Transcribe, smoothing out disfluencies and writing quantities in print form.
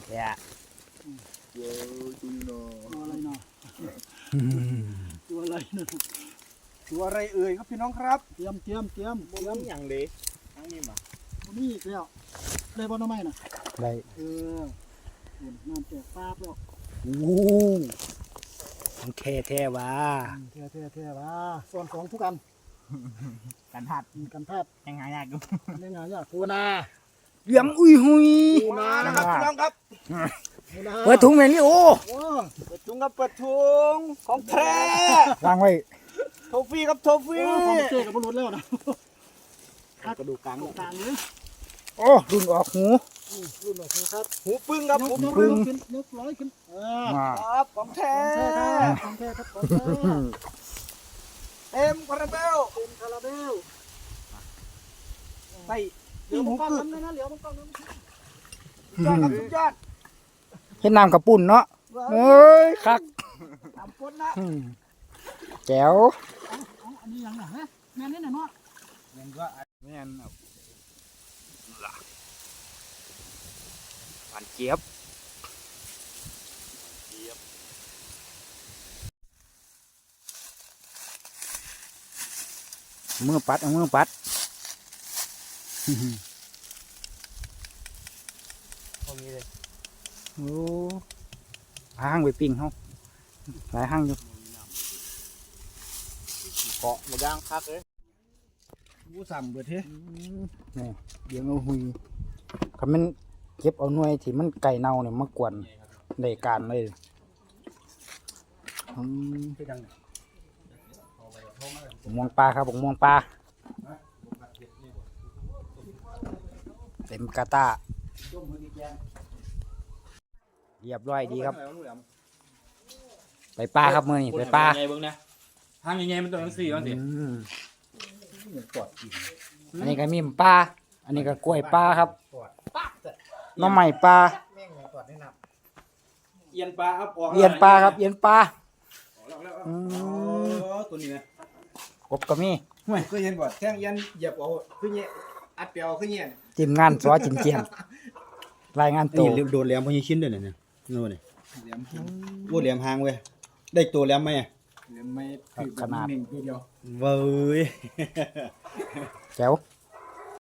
แท้เว้ยตัวอะไรเนาะตัวอะไรเนาะตัวอะไรเอ่ยครับพี่น้องครับเตรียมอย่างเด็กทั้งนี้มานี่อีกแล้วได้บ่น้ำไม้น่ะได้น้ำแตกปาบแล้วโอ้ของแท้ว่ะแท้ว่าส่วนของทุกอันกันหัดกันแพทย์ยังไงยากอยู่ในงานยากปูนาเหลืองอุ้ยหุยมานะครับพี่น้องครับปูนาเปิดถุงแมนลี่โอ้โอ้เปิดถุงครับเปิดถุงของแท้วางไว้โทฟี่ครับโทฟี่ของเจ๊กับบรุษแล้วนะกระดูกกลางต่างๆเลยโอ้รุ่นออกหูรุ่นแบบนี้ครับหูปึ้งครับหูยกปึ้งขึ้นยกร้อยขึ้นมาครับของแท้ของแท้ครับของแท้เต็มคาราเบลเป็นคาราเบลใส่เดี๋ยวหูมันกล้องกึกน้ำนะเดี๋ยวมันกล้องน้ำยอดครับสุดยอดเห็นน้ำกระปุ่นเนาะเอ้ยคักทำพ้นนะแจ๋วอันนี้ยังไงฮะแม่นี่น่ะเนาะเห็นว่าแม่นหวานเจี๊ยบมือปัดเอามือปัดตรงนี้เลยโอ้ห้างไปปิ้งเขาหลายห้างอยู่เกาะหมดย่างคักเลยกูสั่งเบิดเฮ้นี่เดี๋ยวเอาหุยคำมันเก็บเอาหน่วยที่มันไก่เน่าเนี่ยมากวนในการเลยม่วงปลาครับม่วงปลาเต็มกาตาเรียบร้อยดีครับ ไปปลาครับมือนี่ไปปลาใหญ่เบิ่งนะห้างใหญ่ๆมันต้องทั้งสี่บ้างสิอันนี้ก็มีปลาอันนี้ก็กล้วยปลาครับหน้องใหม่ปลาเอียนปลาครับเอียนปลาครับเอียนปลาตัวนี้นะกบก็มีไม่เคยเห็นบ่แท่งยันเหยียบเอาขึ้นเงี้ยอัดเปียวขึ้นเงี้ยทีมงานสวจินเจียนรายงานตัวโดนแหลมพอยี่ชิ้นด้วยเนี่ยโน่นนี่เหลี่ยมโอ้แหลมหางเว้ยได้ตัวแหลมไหมเหลี่ยมไม่ถือแบบหนึ่งตัวเดียวเว้ยแจ๋ว